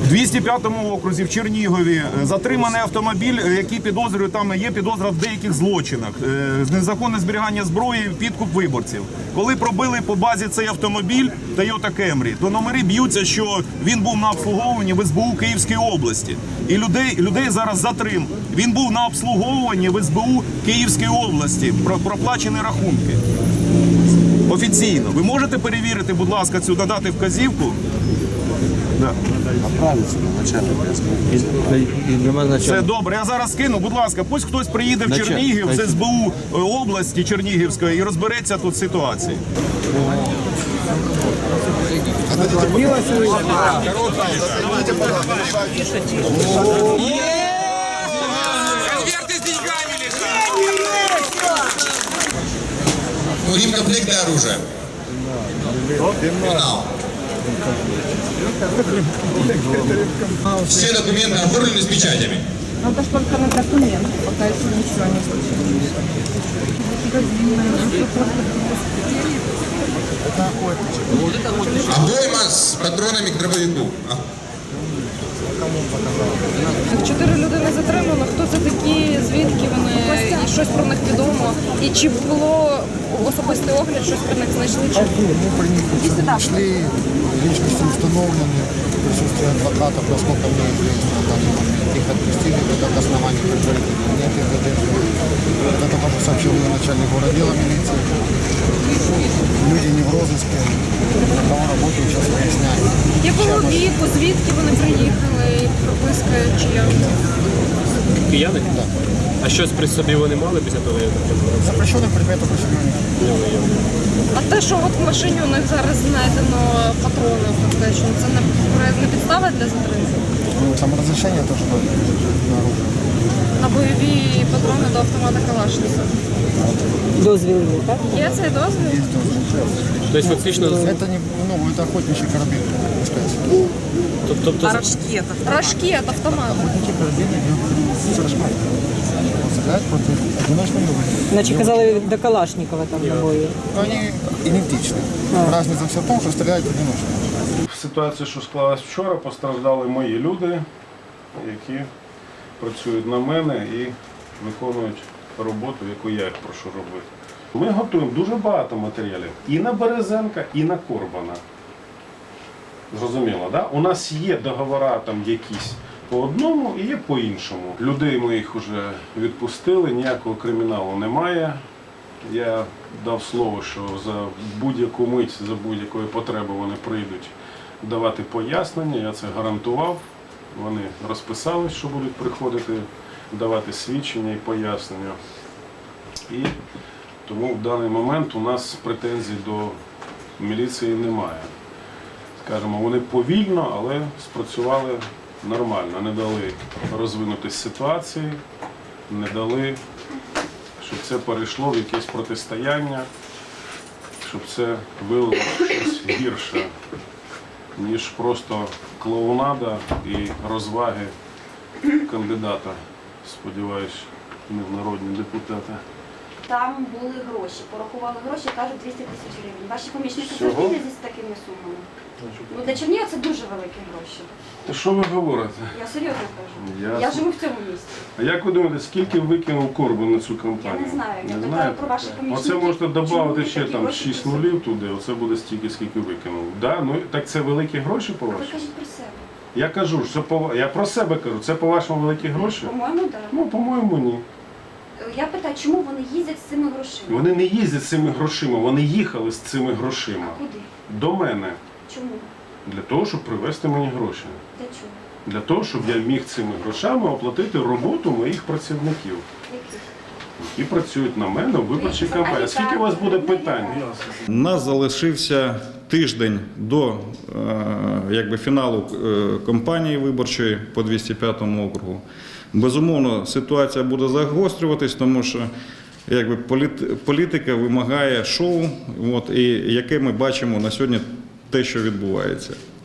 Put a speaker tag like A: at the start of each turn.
A: 205-му окрузі в Чернігові затриманий автомобіль, який підозрює, там є підозра в деяких злочинах. Незаконне зберігання зброї, підкуп виборців. Коли пробили по базі цей автомобіль Toyota Camry, то номери б'ються, що він був на обслуговуванні в СБУ Київської області. І людей зараз затрим. Він був на обслуговуванні в СБУ Київської області, проплачені рахунки. Офіційно. Ви можете перевірити, будь ласка, цю надати вказівку? Да.
B: Направиться на начальника.
A: Це добре. Я зараз скину, будь ласка, пусть хтось приїде в Чернігів, з СБУ області Чернігівської і розбереться тут з ситуацією.
C: Комплект для оружия. Финал. Все документы оформлены с печатями.
D: Надо же только на документы, пока еще ничего не случилось.
C: Обойма с патронами к дробовику.
D: 4 людини затримано. Хто це такі, звідки вони, і щось про них відомо. І чи було особистий огляд, щось про них знайшли? Чи?
B: Нашли, личности установлены, присутствие адвокатов, насколько мне известно, на данный момент. Их отпустили, как основание предварительно. Нет ИВД. Это тоже сообщил мне начальник городдела милиции. Люди не в розыске, на кого работают, сейчас выясняют.
D: Якого віку, звідки вони приїхали, і прописка чия?
E: Кияни?
B: Да.
E: А щось при собі вони мали після того, як
B: Запрещенный предмет определенный.
D: А те, що от в машині у них зараз знайдено патрони, фактично, це не підстава для затримки?
B: Ну, там разрешение тоже на оружие.
D: На бойові патрони до автомата Калашникова.
F: Дозвіл є, так?
D: Є цей дозвіл?
E: тобто фактично,
B: Это не, ну, это охотничий карабин, так сказать.
E: тобто
D: Рожки від автомата.
B: Охотничий карабин идет с рожками. Он стреляет против одиночной люди.
F: Наче казали до Калашникова там набої.
B: Но они идентичны. Разница все в том, что стреляют одиночно.
G: В ситуації, що склалась вчора, постраждали мої люди, які працюють на мене і виконують роботу, яку я їх прошу робити. Ми готуємо дуже багато матеріалів і на Березенка, і на Корбана. Зрозуміло, да? У нас є договори там якісь по одному і є по іншому. Людей ми їх вже відпустили, ніякого криміналу немає. Я дав слово, що за будь-яку мить, за будь-якої потреби вони прийдуть давати пояснення, я це гарантував. Вони розписались, що будуть приходити давати свідчення і пояснення. І тому в даний момент у нас претензій до міліції немає. Скажімо, вони повільно, але спрацювали нормально, не дали розвинутись ситуації, не дали, щоб це перейшло в якесь протистояння, щоб це вилило щось гірше, ніж просто клоунада і розваги кандидата, сподіваюсь, не в народні депутати.
H: Там були гроші, порахували гроші, кажуть 200 тисяч гривень. Ваші помічники
G: Всього?
H: зробили з такими сумами? Ну, для Чернігова це дуже великі гроші.
G: Та що ви говорите?
H: Я серйозно кажу.
G: Ясно.
H: Я живу в цьому місті.
G: А як ви думаєте, скільки викинув Корбан на цю кампанію?
H: Я не знаю. Я
G: Не
H: питаю
G: знаєте?
H: про ваших помічників.
G: Оце можете
H: Чому
G: додати
H: вони
G: ще
H: такі
G: там
H: гроші
G: 6
H: просять?
G: нулів туди, оце буде стільки, скільки викинув. Да? Ну, так це великі гроші
H: Ви
G: по-вашому?
H: кажіть про себе.
G: Я кажу, що я про себе кажу, це по-вашому великі гроші?
H: По-моєму, так.
G: Ну, по-моєму, ні.
H: Я питаю, чому вони їздять з цими грошима?
G: Вони не їздять з цими грошима, вони їхали з цими грошима.
H: Куди?
G: До мене.
H: Чому?
G: Для того, щоб привезти мені гроші.
H: Для чого?
G: Для того, щоб я міг цими грошами оплатити роботу моїх працівників,
H: Яких?
G: які працюють на мене у виборчій кампанії. Скільки у вас буде питань?
I: У нас залишився тиждень до фіналу кампанії виборчої по 205 округу. Безумовно, ситуація буде загострюватись, тому що політика вимагає шоу, і яке ми бачимо на сьогодні те, що відбувається.